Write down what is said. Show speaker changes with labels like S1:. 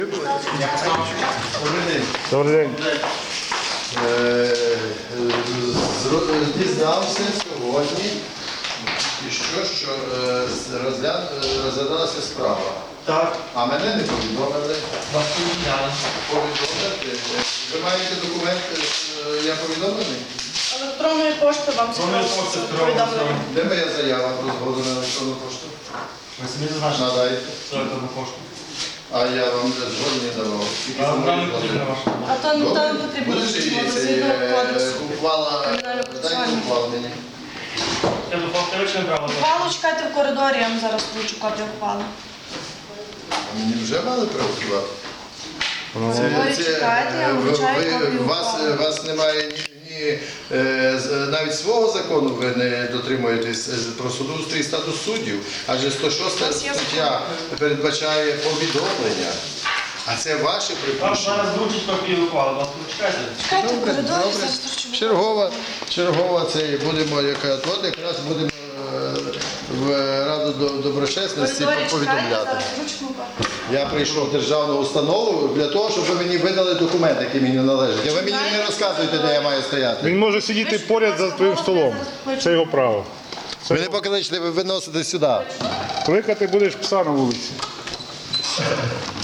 S1: Добрий день.
S2: Дізнався сьогодні, що розглядалася справа.
S3: Так,
S2: А мене не повідомили.
S3: вас повідомляли.
S2: Повідомити. Ви маєте документи, я повідомлений?
S4: Електронної пошти вам повідомлення.
S2: Де моя заява про згоду на електронну пошту?
S3: Ви самі зазначили
S2: Надайте.
S3: електронну пошту.
S2: А я вам згоду не давав. Тільки
S3: А
S2: самої
S3: нам не
S2: згоди.
S3: потрібна ваша.
S4: А то не
S2: Добре.
S4: потрібно.
S2: Будеш її
S4: Згідно кодексу.
S2: ухвала,
S4: Кримінального
S2: дайте
S4: процесуального.
S2: ухвалу мені.
S3: Я до повторюючого права.
S4: Ухвалу чекайте в коридорі, я вам зараз вручу копію ухвали.
S2: Мені вже мали приготувати.
S4: коридорі чекайте, я вам вручаю копію ухвали.
S2: У вас немає навіть свого закону, ви не дотримуєтесь про судоустрій і статус суддів, адже 106 стаття передбачає повідомлення, а це ваше
S3: Вам
S2: припущення.
S3: зараз вручить копію ухвали, вас почекайте.
S4: Чекайте в
S2: Добре,
S4: коридорі,
S2: добре.
S4: зараз вручу.
S2: Чергова це будемо, от якраз будемо в Раду доброчесності
S4: В коридорі чекайте,
S2: повідомляти.
S4: зараз вручимо копію.
S2: Я прийшов в державну установу для того, щоб ви мені видали документ, який мені належить. А ви мені не розказуєте, де я маю стояти.
S1: Він може сидіти поряд за твоїм столом. Це його право.
S2: Ви не покличте, ви виносите сюди.
S1: Кликати будеш пса на вулиці.